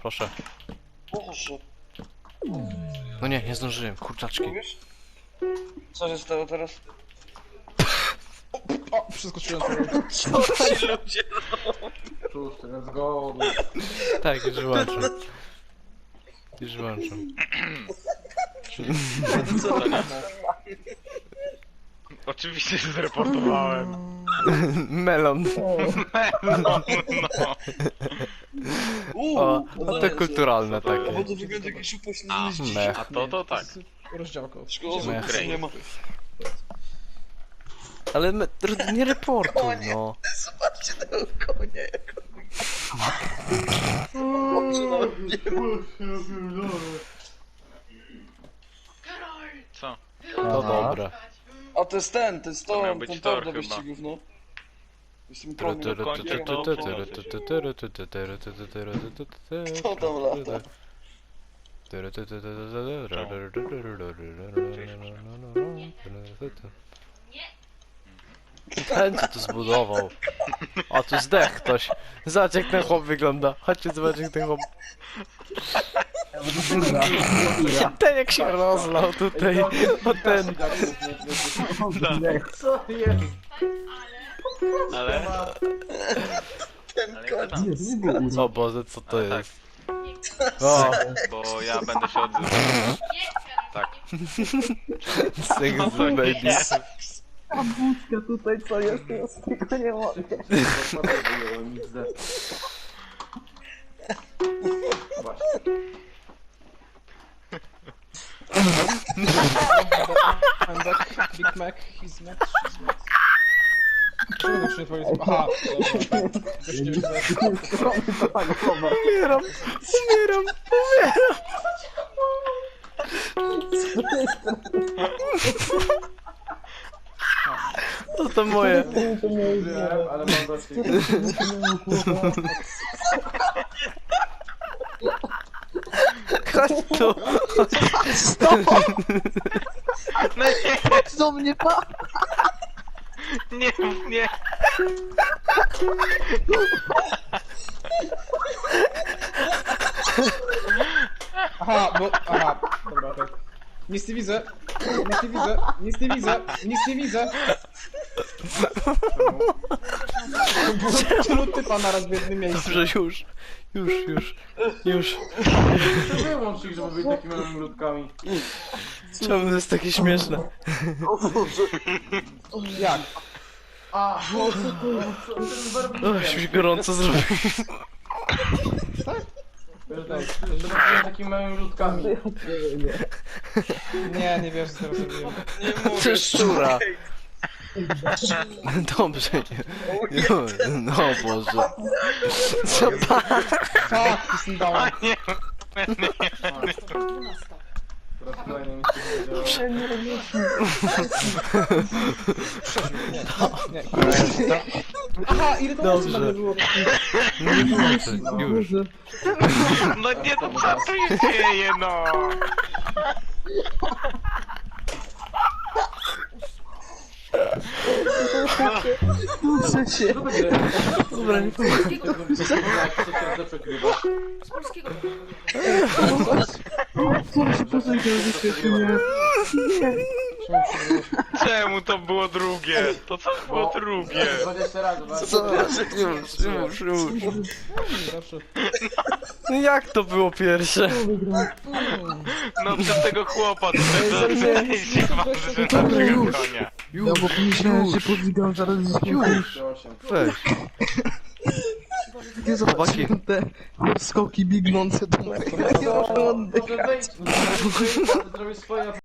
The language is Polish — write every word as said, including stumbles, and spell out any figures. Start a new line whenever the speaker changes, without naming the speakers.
proszę.
Boże.
No nie, nie zdążyłem, kurczaczki.
Mówisz? Co się stało teraz?
O, przeskoczyłem sobie.
Co ci ludzie
Szósty, let's go.
Tak, już wyłączam. Już wyłączam.
Co to nie?
Oczywiście się zreportowałem.
Melon.
No, no.
Uuu,
O, no
udaje
to
się.
kulturalne
Bo
takie.
to wygląda jakiś upośledzony
Me.
dzieciak.
A to to tak.
Rozdziałka.
Szkoda, że
Me.
tu nie ma.
Ale me, nie reportuj, no.
Zobaczcie tego konia, jak on... Oczy nawet nie ma.
Co?
To dobre.
A to jest ten, to jest to,
miał być
ten
tor
tor do
chyba.
wyścigów, no. Z tym
Tyry,
koniem.
tyry,
kończę
tyry,
to.
tyry, tyry, tyry, tyry, tyry, tyry, tyry, tyry, tyry, tyry,
Kto tam lata?
tyry, tyry, tyry, tyry. Ten co tu zbudował. A tu zdech ktoś. Zobacz jak ten chłop wygląda. Chodźcie zobaczyć jak ten chłop. Ten jak się rozlał tutaj. O ten.
Co jest?
Ale...
Ten
Ale jak
koń.
tam?
O Boże, co to
Ale tak.
jest? O,
Bo ja będę się odzywał. Tak.
sing
No
the
to nie.
babies.
A wódka tutaj co jest, ja z tego nie mogę.
I'm back, Big Mac, he's Mac, she's Mac. Czemu na przykład powiedzmy? Aha, dobra. Weźcie
Umieram, umieram, umieram. To to moje.
ale mam dosyć.
Chodź tu.
No nie,
Do mnie pa!
nie, nie.
Aha, bo... Aha, dobra, tak. Nic nie widzę, nic nie widzę, nic nie widzę, nic nie widzę. Było tylu typa naraz w jednym miejscu.
Dobrze, już. Już, już, już.
Wyłącz ich, żeby być takimi małymi ludkami.
Czemu to jest takie śmieszne?
O Boże.
Jak? A,
O, się gorąco zrobił.
żeby być takimi małymi ludkami. Nie, nie wiesz, co teraz robiłem.
Nie
To
mówię.
jest szczura. Dobrze, nie. No, no Boże. Co pan?
Tak, jestem dałem.
Nie,
Teraz kolejne mi się nie Nie, aha, ile to
Dobrze.
osób nagle było?
Nie włączę, już.
no nie, to co tu się dzieje, no?
Muszę się.
Dobra, nie
Z polskiego to
Proszę, proszę, że nie.
Czemu to było drugie? To co było drugie?
dwadzieścia razy,
Co? Już, już, już.
zawsze.
No jak to było pierwsze?
No przez tego chłopa tutaj to się waży, że naszego konia.
Ja bo pomyślałem, że podwigam zaraz już.
Weź.
Nie zobaczyłem te skoki biegnące do mego.
Może wejdź, zrobić swoje